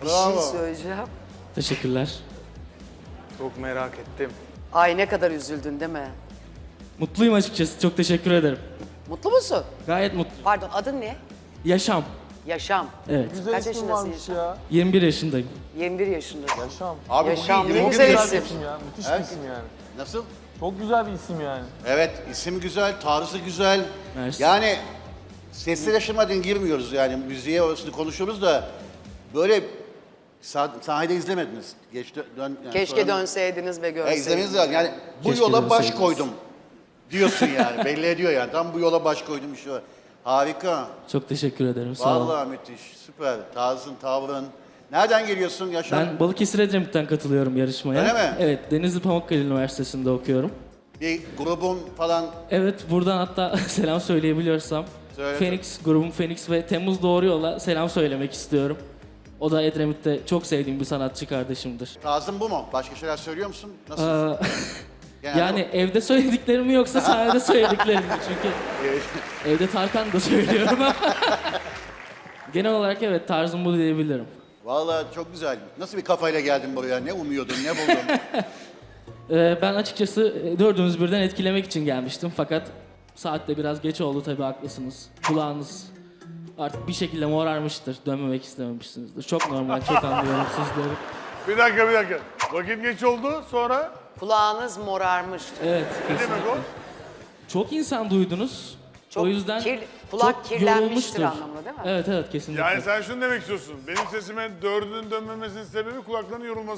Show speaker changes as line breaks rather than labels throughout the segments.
Bir şey söyleyeceğim.
Teşekkürler.
Çok merak ettim.
Ay ne kadar üzüldün değil mi?
Mutluyum açıkçası. Çok teşekkür ederim.
Mutlu musun?
Gayet mutluyum.
Pardon adın ne?
Yaşam.
Yaşam.
Evet.
Güzel
Kaç
isim
yaşındasın
varmış
Yaşam?
ya.
21 yaşındayım.
21 yaşındasın.
Yaşam.
Abi
Yaşam
bugün
ne
21
güzel
yaş-
isim.
İsim ya. Müthiş
Evet.
bir isim yani.
Nasıl?
Çok güzel bir isim yani.
Evet, isim güzel, tarzı güzel.
Mersi.
Yani sesli yaşamadan girmiyoruz yani müziğe orasını konuşuyoruz da böyle sahnede izlemediniz. Yani
Keşke
sonra-
dönseydiniz ve görseydiniz.
İzlemeniz lazım. Yani bu
Keşke
yola baş
dönseydiniz.
koydum diyorsun yani. Belli ediyor yani. Tam bu yola baş koydum şu an. Harika.
Çok teşekkür ederim. Sağ olun.
Vallahi müthiş. Süper. Tarzın, tavrın. Nereden geliyorsun Yaşar?
Ben Balıkesir Edremit'ten katılıyorum yarışmaya.
Öyle mi?
Evet. Denizli Pamukkale Üniversitesi'nde okuyorum.
Bir grubun falan
Evet. Buradan hatta selam söyleyebiliyorsam.
Söyle.
Phoenix, grubum Phoenix ve Temmuz Doğru Yol'a selam söylemek istiyorum. O da Edremit'te çok sevdiğim bir sanatçı kardeşimdir.
tarzın bu mu? Başka şeyler söylüyor musun? Nasıl?
Aa,
Genelde
yani evde söylediklerim mi yoksa sahnede söylediklerim mi? Çünkü evde Tarkan da söylüyorum ama genel olarak evet tarzım bu diyebilirim.
Vallahi çok güzel. Nasıl bir kafayla geldin buraya? Ne umuyordun, ne buldun?
Ben açıkçası dördünüz birden etkilemek için gelmiştim fakat saat de biraz geç oldu tabii haklısınız. Kulağınız artık bir şekilde morarmıştır, dönmemek istememişsinizdir. Çok normal, çok anlıyorum sizleri.
Bir dakika. Vakit geç oldu sonra
Kulağınız morarmıştı.
Evet,
ne demek
kesinlikle.
o?
Çok insan duydunuz.
Çok
o yüzden
kulak
çok
kirlenmiştir
yorulmuştur.
anlamında değil mi?
Evet evet kesinlikle.
Yani sen şunu demek istiyorsun. Benim sesime dördünün dönmemesinin sebebi kulaklarının yorulması.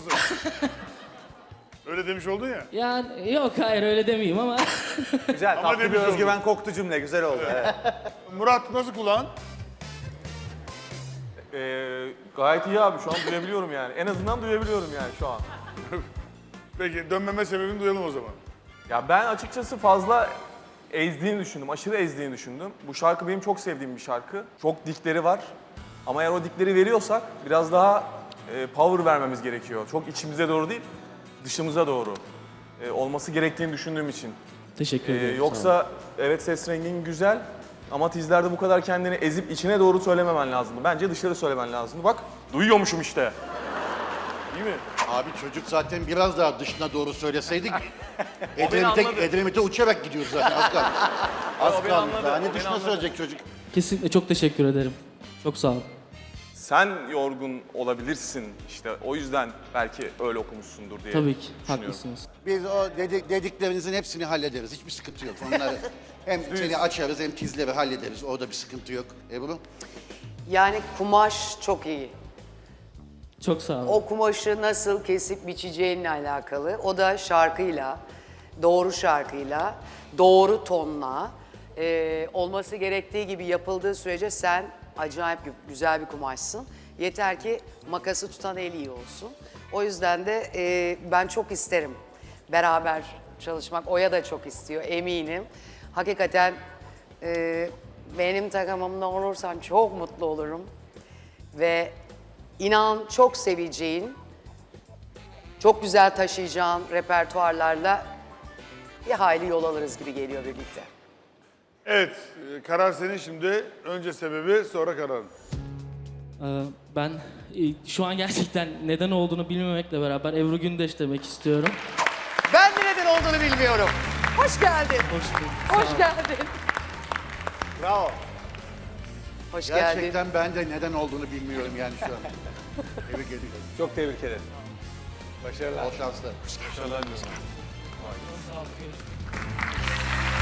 Öyle demiş oldun ya.
Yani yok hayır öyle demeyeyim ama
Güzel,
Ama
tatlı bir
demiş
özgüven koktu cümle. Güzel oldu. Evet.
Murat nasıl kulağın?
Gayet iyi abi. Şu an duyabiliyorum yani. En azından duyabiliyorum yani şu an.
Peki dönmeme sebebini duyalım o zaman.
Ya ben açıkçası fazla ezdiğini düşündüm. Aşırı ezdiğini düşündüm. Bu şarkı benim çok sevdiğim bir şarkı. Çok dikleri var. Ama eğer o dikleri veriyorsak biraz daha power vermemiz gerekiyor. Çok içimize doğru değil, dışımıza doğru olması gerektiğini düşündüğüm için.
teşekkür ederim. sağ olun.
Yoksa evet ses rengin güzel ama tizlerde bu kadar kendini ezip içine doğru söylememen lazımdı. Bence dışarı söylemen lazımdı. Bak duyuyormuşum işte. Değil mi?
Abi çocuk zaten biraz daha dışına doğru söyleseydik
beni anladı.
Edremit'e uçarak gidiyoruz zaten. Az kaldı. Az
O beni
kaldı.
anladı,
Daha
o
ne
beni
dışına
anladı.
söyleyecek çocuk?
Kesinlikle çok teşekkür ederim. Çok sağ olun.
Sen yorgun olabilirsin işte o yüzden belki öyle okumuşsundur diye
Tabii ki
düşünüyorum.
haklısınız.
Biz o dediklerinizin hepsini hallederiz. Hiçbir sıkıntı yok. Onları hem seni açarız hem tizleri hallederiz. Orada bir sıkıntı yok. Ebru?
Yani kumaş çok iyi.
Çok sağ olun.
O kumaşı nasıl kesip biçeceğinle alakalı. O da şarkıyla, doğru şarkıyla, doğru tonla olması gerektiği gibi yapıldığı sürece sen acayip güzel bir kumaşsın. Yeter ki makası tutan el iyi olsun. O yüzden de ben çok isterim beraber çalışmak. Oya da çok istiyor eminim. Hakikaten benim takımımda olursan çok mutlu olurum. Ve inan çok seveceğin, çok güzel taşıyacağın repertuarlarla bir hayli yol alırız gibi geliyor birlikte.
Evet, karar senin şimdi. Önce sebebi, sonra kararın.
Ben şu an gerçekten neden olduğunu bilmemekle beraber Ebru Gündeş demek istiyorum.
Ben de neden olduğunu bilmiyorum. Hoş geldin.
Hoş bulduk.
Hoş geldin.
Bravo.
Hoş geldin.
Gerçekten ben de neden olduğunu bilmiyorum yani şu an. Tebrik ediyorum.
Çok tebrik ederim. Başarılar.
Bol şanslar.